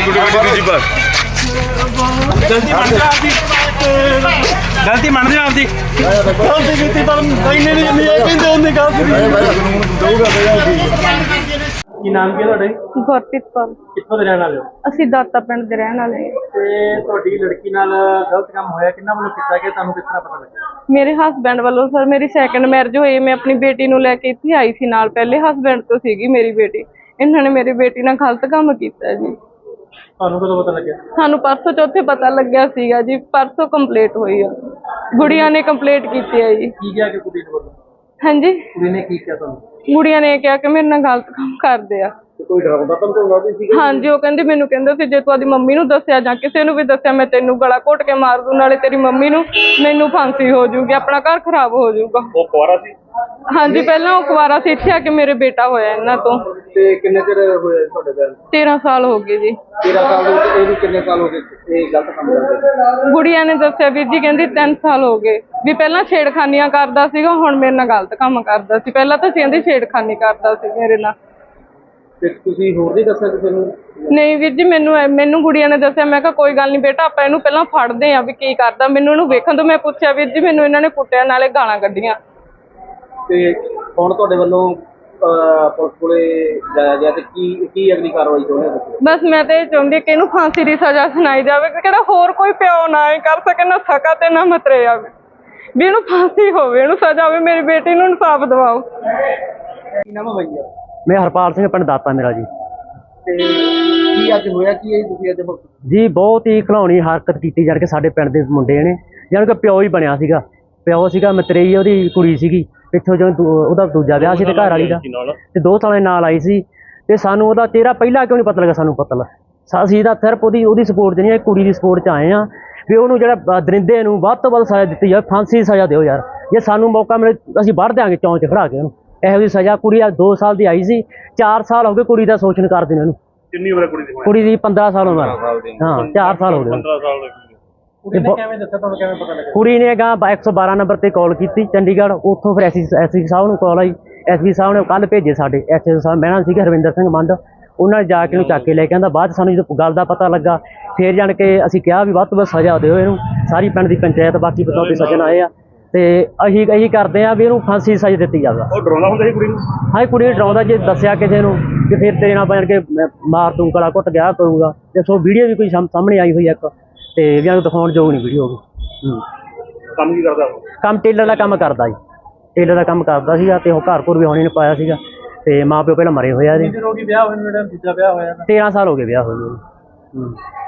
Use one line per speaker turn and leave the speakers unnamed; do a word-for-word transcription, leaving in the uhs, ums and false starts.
दूजी बार
गलती मान जा आपदी गलती मान जा आपदी गलती कीती पर कहने नहीं नहीं कहंदे ਉਹਨੇ ਗਲਤੀ ਦਊਗਾ ਕੀ ਨਾਮ ਕੀ ਤੁਹਾਡੇ?
ਗੁਰਪ੍ਰੀਤ ਕੌਰ।
ਕਿੱਥੋਂ ਦੇ ਰਹਿਣ ਵਾਲੇ ਹੋ?
ਅਸੀਂ ਦਾਤਾ ਪਿੰਡ ਦੇ ਰਹਿਣ ਵਾਲੇ ਹਾਂ।
ਤੇ ਤੁਹਾਡੀ ਲੜਕੀ ਨਾਲ ਗਲਤ ਕੰਮ ਹੋਇਆ, ਕਿੰਨਾ ਵੱਲੋਂ ਕੀਤਾ ਗਿਆ, ਤੁਹਾਨੂੰ ਕਿਸ ਤਰ੍ਹਾਂ ਪਤਾ ਲੱਗਿਆ?
ਮੇਰੇ ਹਸਬੈਂਡ ਵੱਲੋਂ ਸਰ ਮੇਰੀ ਸੈਕੰਡ ਮੈਰਿਜ ਹੋਈ। ਮੈਂ ਆਪਣੀ ਬੇਟੀ ਨੂੰ ਲੈ ਕੇ ਇੱਥੇ ਆਈ ਸੀ ਨਾਲ। ਪਹਿਲੇ ਹਸਬੈਂਡ ਤੋਂ ਸੀਗੀ ਮੇਰੀ ਬੇਟੀ। ਇਹਨਾਂ ਨੇ ਮੇਰੀ ਬੇਟੀ ਨਾਲ ਗਲਤ ਕੰਮ ਕੀਤਾ ਜੀ।
ਤੁਹਾਨੂੰ ਕਦੋਂ ਪਤਾ ਲੱਗਿਆ?
ਸਾਨੂੰ ਪਰਸੋਂ ਚੌਥੇ ਪਤਾ ਲੱਗਿਆ ਸੀਗਾ ਜੀ। ਪਰਸੋਂ ਕੰਪਲੀਟ ਹੋਈ ਆ। ਗੁੜੀਆਂ ਨੇ ਕੰਪਲੀਟ ਕੀਤੀ ਹੈ ਜੀ।
ਕੀ ਕਿਹਾ ਕਿ ਕੁੜੀ ਨੂੰ ਵੱਲੋਂ?
ਹਾਂਜੀ,
ਕੁੜੀ ਨੇ ਕੀ ਕਿਹਾ ਤੁਹਾਨੂੰ?
ਗੁੜੀਆਂ ਨੇ ਕਿਹਾ ਕਿ ਮੇਰੇ ਨਾਲ ਗਲਤ ਕੰਮ ਕਰਦੇ ਆ।
ਕੋਈ ਡਰਾਉਂਦਾ ਧਮਕਾਉਂਦਾ ਵੀ ਸੀ?
ਹਾਂਜੀ, ਉਹ ਕਹਿੰਦੀ ਮੈਨੂੰ ਕਹਿੰਦਾ ਸੀ ਜੇ ਤੂੰ ਆਪਣੀ ਮੰਮੀ ਨੂੰ ਦੱਸਿਆ ਜਾਂ ਕਿਸੇ ਨੂੰ ਵੀ ਦੱਸਿਆ ਮੈਂ ਤੈਨੂੰ ਗਲਾ ਘੋਟ ਕੇ ਮਾਰ ਦੂੰ, ਨਾਲੇ ਤੇਰੀ ਮੰਮੀ ਨੂੰ ਮੈਨੂੰ ਫਾਂਸੀ ਹੋ ਜਾਊਗੀ, ਆਪਣਾ ਘਰ ਖਰਾਬ ਹੋ ਜਾਊਗਾ।
ਉਹ ਕੁਆਰਾ ਸੀ? ਹਾਂਜੀ,
ਪਹਿਲਾਂ ਉਹ ਕੁਆਰਾ ਸੀ। ਇੱਥੇ ਆ ਕੇ ਮੇਰੇ ਬੇਟਾ ਹੋਇਆ ਇਹਨਾਂ ਤੋਂ।
ਤੇ ਕਿੰਨੇ ਚਿਰ ਹੋਇਆ ਤੁਹਾਡੇ ਵਿਆਹ ਨੂੰ?
ਤੇਰਾਂ ਸਾਲ ਹੋ ਗਏ ਜੀ।
ਤੇਰਾਂ ਸਾਲ ਦੇ ਵਿੱਚ ਇਹ ਵੀ ਕਿੰਨੇ ਸਾਲ ਹੋ ਗਏ ਇਹ ਗਲਤ ਕੰਮ ਕਰਦੇ?
ਗੁੜੀਆ ਨੇ ਦੱਸਿਆ ਵੀਰ ਜੀ, ਕਹਿੰਦੀ ਤਿੰਨ ਸਾਲ ਹੋ ਗਏ ਵੀ ਪਹਿਲਾਂ ਛੇੜਖਾਨੀਆਂ ਕਰਦਾ ਸੀਗਾ, ਹੁਣ ਮੇਰੇ ਨਾਲ ਗਲਤ ਕੰਮ ਕਰਦਾ ਸੀ। ਪਹਿਲਾਂ ਤਾਂ ਕਹਿੰਦੀ ਛੇੜਖਾਨੀ ਕਰਦਾ ਸੀ ਮੇਰੇ ਨਾਲ।
ਤੇ ਤੁਸੀਂ ਹੋਰ ਨਹੀਂ ਦੱਸਿਆ ਕਿਸੇ ਨੂੰ?
ਨਹੀਂ ਵੀਰ ਜੀ, ਮੈਨੂੰ ਮੈਨੂੰ ਗੁੜੀਆ ਨੇ ਦੱਸਿਆ। ਮੈਂ ਕਿਹਾ ਕੋਈ ਗੱਲ ਨਹੀਂ ਬੇਟਾ, ਆਪਾਂ ਇਹਨੂੰ ਪਹਿਲਾਂ ਫੜਦੇ ਆ ਵੀ ਕੀ ਕਰਦਾ। ਮੈਨੂੰ ਇਹਨੂੰ ਵੇਖਣ ਤੋਂ ਮੈਂ ਪੁੱਛਿਆ ਵੀਰ ਜੀ, ਮੈਨੂੰ ਇਹਨਾਂ ਨੇ ਕੁੱਟਿਆ ਨਾਲੇ ਗਾਲਾਂ ਕੱਢੀਆਂ।
ਤੇ ਹੁਣ ਤੁਹਾਡੇ ਵੱਲੋਂ ਪੁਲਿਸ ਕੋਲੇ ਜਾਇਆ ਗਿਆ ਤੇ ਕੀ ਕੀ ਅਗਲੀ ਕਾਰਵਾਈ ਚਾਹੁੰਦੇ ਹੋ?
ਬਸ ਮੈਂ ਤਾਂ ਇਹ ਚਾਹੁੰਦੀ ਕਿ ਇਹਨੂੰ ਫਾਂਸੀ ਦੀ ਸਜ਼ਾ ਸੁਣਾਈ ਜਾਵੇ, ਕਿਹੜਾ ਹੋਰ ਕੋਈ ਪਿਓ ਨਾ ਇਹ ਕਰ ਸਕੇ, ਨਾ ਸਕਾ ਤੇ ਨਾ ਮਤਰੇ ਆਵੇ, ਵੀ ਇਹਨੂੰ ਫਾਂਸੀ ਹੋਵੇ, ਇਹਨੂੰ ਸਜ਼ਾ ਹੋਵੇ। ਮੇਰੀ ਬੇਟੀ ਨੂੰ ਇਨਸਾਫ ਦਿਵਾਓ।
ਕੀ ਨਾਮ ਹੈ ਭਈਆ?
मैं हरपाल सिंह पिंड दाता मेरा जी।
ਤੇ ਕੀ ਅੱਜ ਹੋਇਆ ਕੀ ਹੈ ਤੁਸੀਂ ਅੱਜ?
जी बहुत ही खिलौनी हरकत की जान के साडे पिंड दे मुंडे ने, जान के प्यो ही बनया सीगा। प्यो सीगा मतरेई ਉਹਦੀ ਕੁੜੀ ਸੀਗੀ। ਪਿੱਛੋਂ ਜਦੋਂ ਉਹਦਾ ਦੂਜਾ ਵਿਆਹ ਸੀ ਤੇ ਘਰ ਵਾਲੀ ਦਾ ਤੇ ਦੋ ਸਾਲਾਂ ਦੇ ਨਾਲ ਆਈ ਸੀ ਤੇ ਸਾਨੂੰ ਉਹਦਾ ਚਿਹਰਾ ਪਹਿਲਾਂ ਕਿਉਂ ਨਹੀਂ ਪਤਾ ਲੱਗਾ? ਸਾਨੂੰ ਪਤਾ ਲੱਗਾ ਅਸੀਂ ਤਾਂ ਸਿਰਫ ਉਹਦੀ ਉਹਦੀ ਸਪੋਰਟ 'ਚ ਨਹੀਂ, ਕੁੜੀ ਦੀ ਸਪੋਰਟ 'ਚ ਆਏ ਆ ਵੀ ਉਹਨੂੰ ਜਿਹੜਾ ਦਰਿੰਦੇ ਨੂੰ ਵੱਧ ਤੋਂ ਵੱਧ ਸਜ਼ਾ ਦਿੱਤੀ ਜਾਵੇ, ਫਾਂਸੀ ਦੀ ਸਜ਼ਾ ਦਿਓ ਯਾਰ। ਜੇ ਸਾਨੂੰ ਮੌਕਾ ਮਿਲੇ ਅਸੀਂ ਵੱਢ ਦਿਆਂਗੇ ਚੌਂਚ 'ਚ ਖੜਾ ਕੇ ਉਹਨੂੰ। ਇਹੋ ਜਿਹੀ ਸਜ਼ਾ। ਕੁੜੀ ਅੱਜ ਦੋ ਸਾਲ ਦੀ ਆਈ ਸੀ, ਚਾਰ ਸਾਲ ਹੋ ਗਏ ਕੁੜੀ ਦਾ ਸ਼ੋਸ਼ਣ ਕਰਦੇ ਨੇ ਉਹਨੂੰ।
ਕਿੰਨੀ ਉਮਰ ਹੈ ਕੁੜੀ ਦੀ?
ਕੁੜੀ ਦੀ ਪੰਦਰਾਂ ਸਾਲ ਉਮਰ। ਹਾਂ, ਚਾਰ ਸਾਲ ਹੋ ਗਏ।
ਪੰਦਰਾਂ ਸਾਲ ਦੀ ਕੁੜੀ ਨੇ ਕਿਵੇਂ ਦੱਸਿਆ ਤੁਹਾਨੂੰ? ਕਿਵੇਂ ਪਤਾ ਲੱਗਾ?
ਕੁੜੀ ਨੇ ਗਾਂ ਇੱਕ ਸੌ ਬਾਰਾਂ ਨੰਬਰ ਤੇ ਕਾਲ ਕੀਤੀ ਚੰਡੀਗੜ੍ਹ। ਉੱਥੋਂ ਫਿਰ ਐਸਪੀ ਐਸਪੀ ਸਾਹਿਬ ਨੂੰ ਕਾਲ ਆਈ। ਐਸਪੀ ਸਾਹਿਬ ਨੇ ਕੱਲ੍ਹ ਭੇਜੇ ਸਾਡੇ ਐਸਪੀ ਸਾਹਿਬ। ਮੈਂ ਸੀਗਾ ਹਰਵਿੰਦਰ ਸਿੰਘ ਮੰਡ। ਉਹਨਾਂ ਨੇ ਜਾ ਕੇ ਉਹਨੂੰ ਚੱਕ ਕੇ ਲੈ ਕੇ ਆਂਦਾ। ਬਾਅਦ 'ਚ ਸਾਨੂੰ ਜਦੋਂ ਗੱਲ ਦਾ ਪਤਾ ਲੱਗਾ ਫਿਰ ਜਾਣ ਕੇ ਅਸੀਂ ਕਿਹਾ ਵੀ ਵੱਧ ਤੋਂ ਵੱਧ ਸਜ਼ਾ ਦਿਓ ਇਹਨੂੰ। ਸਾਰੀ ਪਿੰਡ ਦੀ ਪੰਚਾਇਤ ਬਾਕੀ ਬਤੌਤੇ ਸੱਜਣ ਆਏ ਆ ਤੇ ਅਸੀਂ ਇਹੀ ਕਰਦੇ ਆ ਵੀ ਇਹਨੂੰ ਫਾਂਸੀ ਦੀ ਸਜ਼ਾ ਦਿੱਤੀ ਜਾਵੇ।
ਉਹ ਡਰਾਉਂਦਾ ਹੁੰਦਾ ਸੀ ਕੁੜੀ ਨੂੰ?
ਹਾਂ, ਕੁੜੀ ਨੂੰ ਡਰਾਉਂਦਾ। ਜੇ ਦੱਸਿਆ ਕਿਸੇ ਨੂੰ ਕਿ ਫਿਰ ਤੇਰੇ ਨਾਲ ਬਣ ਕੇ ਮਾਰ ਤੂੰ ਗਲਾ ਘੁੱਟ ਗਿਆ ਕਰੂੰਗਾ। ਤੇ ਸੋ ਵੀਡੀਓ ਵੀ ਕੋਈ ਸਾਹਮਣੇ ਆਈ ਹੋਈ ਇੱਕ ਤੇ ਵੀ ਉਹਨੂੰ ਦਿਖਾਉਣ ਯੋਗ ਨਹੀਂ ਵੀਡੀਓ।
ਕੰਮ ਕੀ ਕਰਦਾ?
ਕੰਮ ਟੇਲਰ ਦਾ ਕੰਮ ਕਰਦਾ ਜੀ। ਟੇਲਰ ਦਾ ਕੰਮ ਕਰਦਾ ਸੀਗਾ ਤੇ ਉਹ ਘਰ ਘਰ ਵੀ ਹੋਣੀ ਨੇ ਪਾਇਆ ਸੀਗਾ ਤੇ ਮਾਂ ਪਿਓ ਪਹਿਲਾਂ ਮਰੇ ਹੋਏ ਆ ਜੀ।
ਕਿੰਨੇ ਦਿਨ ਹੋ ਗਏ ਵਿਆਹ ਹੋਏ ਨੂੰ? ਜਿਹੜਾ ਦੂਜਾ ਵਿਆਹ ਹੋਇਆ?
ਤੇਰਾਂ ਸਾਲ ਹੋ ਗਏ ਵਿਆਹ ਹੋਏ ਨੂੰ।